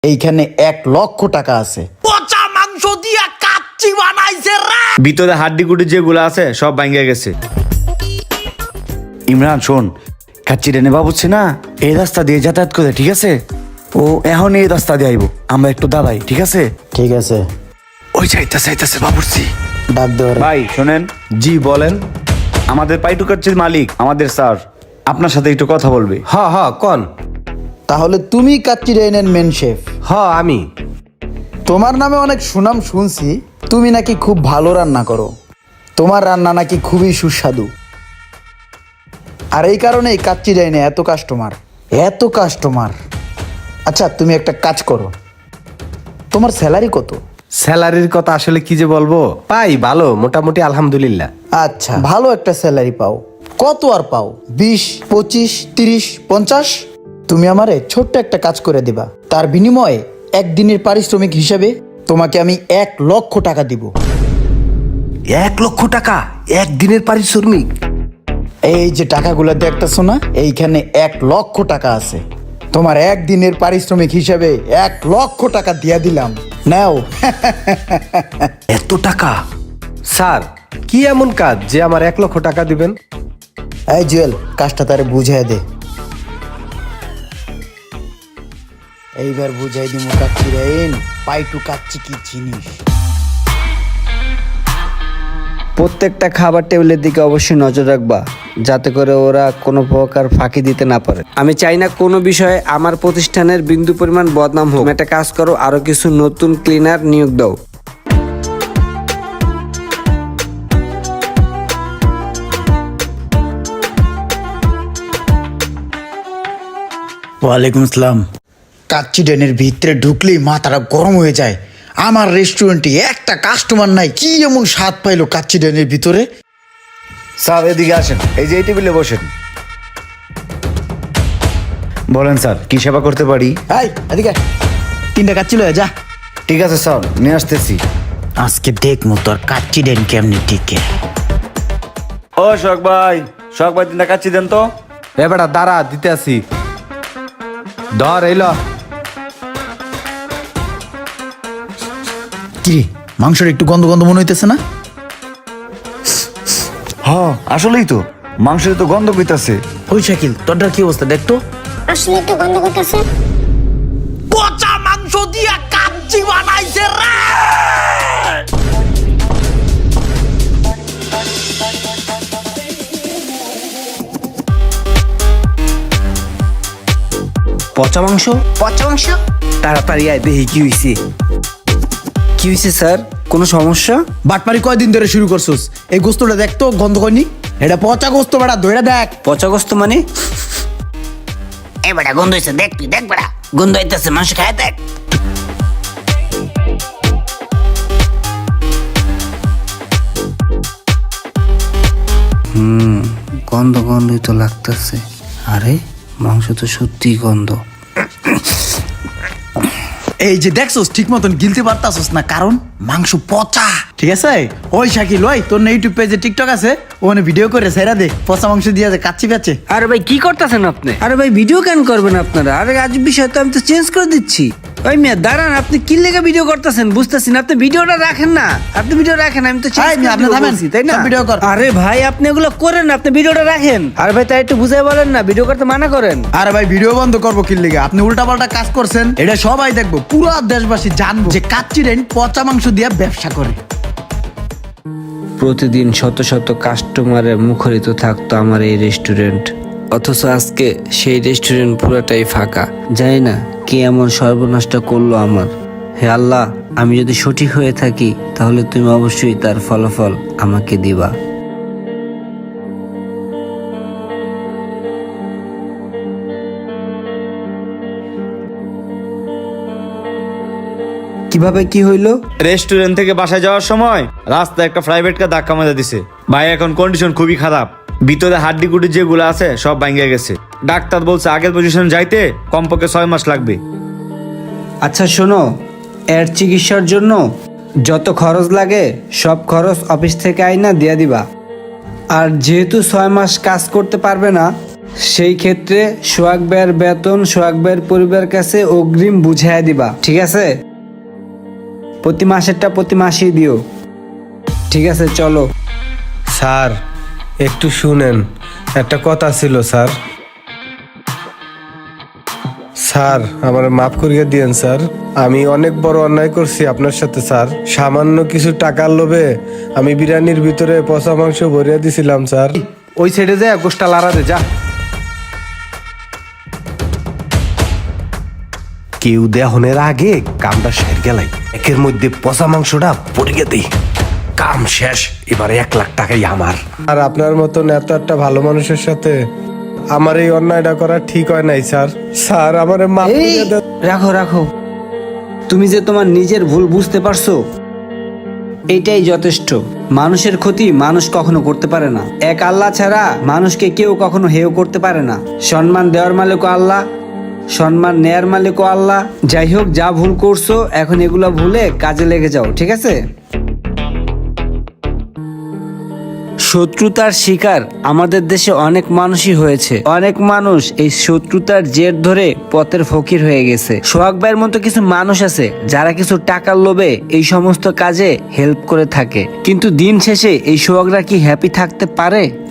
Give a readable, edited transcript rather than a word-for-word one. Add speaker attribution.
Speaker 1: এইখানে 1,00,000 টাকা আছে।
Speaker 2: পচা মাংস দিয়া কাচ্চি বানাইছে রে।
Speaker 3: ভিতরে হাড্ডি গুডি যেগুলো আছে সব ভাঙ্গে গেছে। ইমরান শোন, কাচ্চি রেনে বাবুচ্ছে না এই রাস্তা দিয়ে যাতায়াত করে, ঠিক আছে? ও এখন এই রাস্তা দিয়ে আইব, আমরা একটু দাঁড়াই, ঠিক আছে?
Speaker 1: ঠিক আছে,
Speaker 3: ওই যাইতেছে বাবুর্চি।
Speaker 1: ডাক দেওয়ার
Speaker 3: ভাই শোনেন। জি বলেন। আমাদের পাইটু কাচ্চির মালিক আমাদের স্যার আপনার সাথে একটু কথা বলবে।
Speaker 4: হ কন।
Speaker 1: তাহলে তুমি কাচ্চি ডাইনের মেন শেফ?
Speaker 4: আমি।
Speaker 1: তোমার নামে অনেক সুনাম শুনছি, তুমি নাকি খুব ভালো রান্না করো, তোমার রান্না নাকি খুবই সুস্বাদু। আর এই কারণেই কাচ্চি ডাইনে এত কাস্টমার। আচ্ছা তুমি একটা কাজ করো, তোমার স্যালারি কত?
Speaker 4: স্যালারির কথা আসলে কি যে বলবো, পাই ভালো, মোটামুটি আলহামদুলিল্লাহ।
Speaker 1: আচ্ছা ভালো একটা স্যালারি পাও, কত আর পাও? 20, 25, 30, 50? তুমি আমারে ছোট্ট একটা কাজ করে দিবা, তার বিনিময়ে একদিনের পারিশ্রমিক হিসাবে তোমাকে আমি 1,00,000 টাকা দিব।
Speaker 4: 1,00,000 টাকা একদিনের পারিশ্রমিক?
Speaker 1: এই যে টাকাগুলো দেখতেছো না, এইখানে 1,00,000 টাকা আছে। তোমার একদিনের পারিশ্রমিক হিসাবে 1,00,000 টাকা দিয়া দিলাম, নাও।
Speaker 4: এত টাকা? স্যার কি এমন কাজ যে আমার 1,00,000 টাকা দিবেন?
Speaker 1: এই জুয়েল, কাজটা তারে বুঝাই দে। এইবার বুঝাই দিমু কাচ্চি রাইন পাইটু কাচ্চি কি জিনিস।
Speaker 5: প্রত্যেকটা খাবার টেবিলের দিকে অবশ্যই নজর রাখবা, যাতে করে ওরা কোনো প্রকার ফাঁকি দিতে না পারে। আমি চাই না কোনো বিষয়ে আমার প্রতিষ্ঠানের বিন্দু পরিমাণ বদনাম হোক। তুমি একটা কাজ করো, আরো কিছু নতুন ক্লিনার নিয়োগ দাও।
Speaker 1: ওয়ালাইকুম আসসালাম। কাচ্চি ডাইনের ভিতরে ঢুকলেই মাথাটা গরম হয়ে যায়। আমার রেস্টুরেন্টে একটা কাস্টমার নাই, কি এমন স্বাদ পাইলো কাচ্চি ডাইনের ভিতরে।
Speaker 3: স্যার এদিকে আসেন, এই যে এই টেবিলে বসেন। বলেন স্যার, কি সেবা করতে পারি?
Speaker 1: এই এদিকে 3টা কাচ্চি লয়ে যা।
Speaker 3: ঠিক আছে স্যার, নিয়ে আসতেছি।
Speaker 1: আজকে দেখমু তোর কাচ্চি ডাইন কেমনি টিকে।
Speaker 3: ও শখ ভাই 3টা কাচ্চি দেন তো।
Speaker 4: এ বেটা দাঁড়া, দিতে আসি। ধর এইল।
Speaker 1: কি মাংসের একটু গন্ধ গন্ধ মনে হইতেছে না?
Speaker 3: হ্যাঁ আসলেই তো, মাংসের তো গন্ধ পেতেছে।
Speaker 1: ওই শাকিল, তোরটার কি অবস্থা দেখতো?
Speaker 6: আসলে একটু গন্ধ করতেছে।
Speaker 2: পচা মাংস দিয়া কাচ্চি বানাইছে রে।
Speaker 5: পচা মাংস? তাড়াতাড়ি আয়, দেখি কি হয়েছে। কি হয়েছে স্যার, কোনো সমস্যা?
Speaker 1: বাটপারি কয়দিন ধরে শুরু করছস? এই গোস্তটা দেখতো গন্ধ কয়নি? এটা পচা গোস্ত, বেটা ধইরা দেখ।
Speaker 5: পচা গোস্ত মানে?
Speaker 6: এ বেটা গন্ধ হইছে, দেখ তুই দেখ বেটা, গন্ধ হইতেছে, মানুষ খায় দেখ।
Speaker 5: গন্ধ গন্ধই তো লাগতেছে। আরে মাংস তো সত্যিই গন্ধ।
Speaker 1: এই যে দেখছস ঠিক মতন গিলতে পারতাছস না, কারণ মাংস পচা। ঠিক আছে ওই শাকিল, ওই তোর না ইউটিউব পেজে টিকটক আছে, ওখানে ভিডিও করে সেরা দে, পচা মাংস দিয়ে কাচ্চি বেচে।
Speaker 5: আরে ভাই কি করতেছেন আপনি? আরে ভাই ভিডিও কেন করবেন আপনারা? আরে আজ বিষয় তো আমি তো চেঞ্জ করে দিচ্ছি। ওই মিয়া দাঁড়ান, আপনি কি লেগে ভিডিও করতেছেন বুঝতেছি না। আপনি ভিডিওটা রাখেন না, আপনি ভিডিও রাখেন, আমি তো
Speaker 1: এই মিয়া, আপনি থামেন,
Speaker 5: তাই না?
Speaker 1: সব ভিডিও কর।
Speaker 5: আরে ভাই আপনি এগুলো করেন না, আপনি ভিডিওটা রাখেন। আরে ভাই তাই একটু বুঝাই বলেন না, ভিডিও করতে মানা করেন।
Speaker 1: আরে ভাই ভিডিও বন্ধ করবো কি লিগে? আপনি উল্টাপাল্টা কাজ করছেন, এটা সবাই দেখবো, পুরো দেশবাসী জানবো যে কাচ্চি ডাইন পচা মাংস দিয়ে ব্যবসা করে।
Speaker 5: প্রতিদিন শত শত কাস্টমারে মুখরিত থাকতো আমার এই রেস্টুরেন্ট, অথচ আজকে সেই রেস্টুরেন্ট পুরোটাই ফাঁকা। জানি না কে এমন সর্বনাশটা করলো আমার। হে আল্লাহ, আমি যদি সঠিক হয়ে থাকি তাহলে তুমি অবশ্যই তার ফলাফল আমাকে দিবা। কিভাবে কি হইলো?
Speaker 3: রেস্টুরেন্ট থেকে বাসায় যাওয়ার সময় রাস্তায় একটা প্রাইভেট কার ধাক্কা মেরে দিছে। ভাই এখন কন্ডিশন খুবই খারাপ, ভিতরে হাড্ডি গুডি যেগুলো আছে সব ভাঙ্গে গেছে। ডাক্তার বলছে আগের পজিশন যাইতে কমপক্ষে 6 মাস লাগবে।
Speaker 5: আচ্ছা শোনো, এর চিকিৎসার জন্য যত খরচ লাগে সব খরচ অফিস থেকে আইনা দিয়ে দিবা। আর যেহেতু 6 মাস কাজ করতে পারবে না, সেই ক্ষেত্রে সোহাগ ভাইয়ের বেতন সোহাগ ভাইয়ের পরিবারের কাছে অগ্রিম বুঝাইয়া দিবা, ঠিক আছে? প্রতি মাসেরটা প্রতি মাসেই দিও, ঠিক আছে? চলো।
Speaker 4: স্যার একটু শুনেন, একটা কথা ছিল স্যার। স্যার আমার মাফ করিয়ে দিয়েন স্যার, আমি অনেক বড় অন্যায় করছি আপনার সাথে স্যার। সামান্য কিছু টাকার লোভে আমি বিরিয়ানির ভিতরে পচা মাংস ভরিয়ে দিছিলাম স্যার। ওই সাইডে যায় গোষ্ঠটা লাড়া দে, যা। কেউ দেহনের আগে কামটা সের গেলাই, একের মধ্যে পচা মাংসটা পড়িয়ে দেই, কাম শেষ। এবার 1 লাখ টাকাই আমার। আর আপনার মতন এত একটা ভালো মানুষের সাথে আমার এই অন্যায়টা করা ঠিক হয় নাই স্যার। স্যার আমার মাফ
Speaker 5: এই
Speaker 4: করে দেন।
Speaker 5: রাখো রাখো, তুমি যে তোমার নিজের ভুল বুঝতে পারছো এইটাই যথেষ্ট। মানুষের ক্ষতি মানুষ কখনো করতে পারে না, এক আল্লাহ ছাড়া মানুষকে কেউ কখনো হেয় করতে পারে না। সম্মান দেওয়ার মালিকও আল্লাহ, সম্মান নেয়ার মালিকও আল্লাহ। যাই হোক, যা ভুল করছো এখন এগুলা ভুলে কাজে লেগে যাও, ঠিক আছে? শত্রুতার শিকার আমাদের দেশে অনেক মানুষই হয়েছে। অনেক মানুষ এই শত্রুতার জের ধরে পথের ফকির হয়ে গেছে। সোহাগ ভাইয়ের মতো কিছু মানুষ আছে যারা কিছু টাকার লোভে এই সমস্ত কাজে হেল্প করে থাকে, কিন্তু দিন শেষে এই সোহাগরা কি হ্যাপি থাকতে পারে?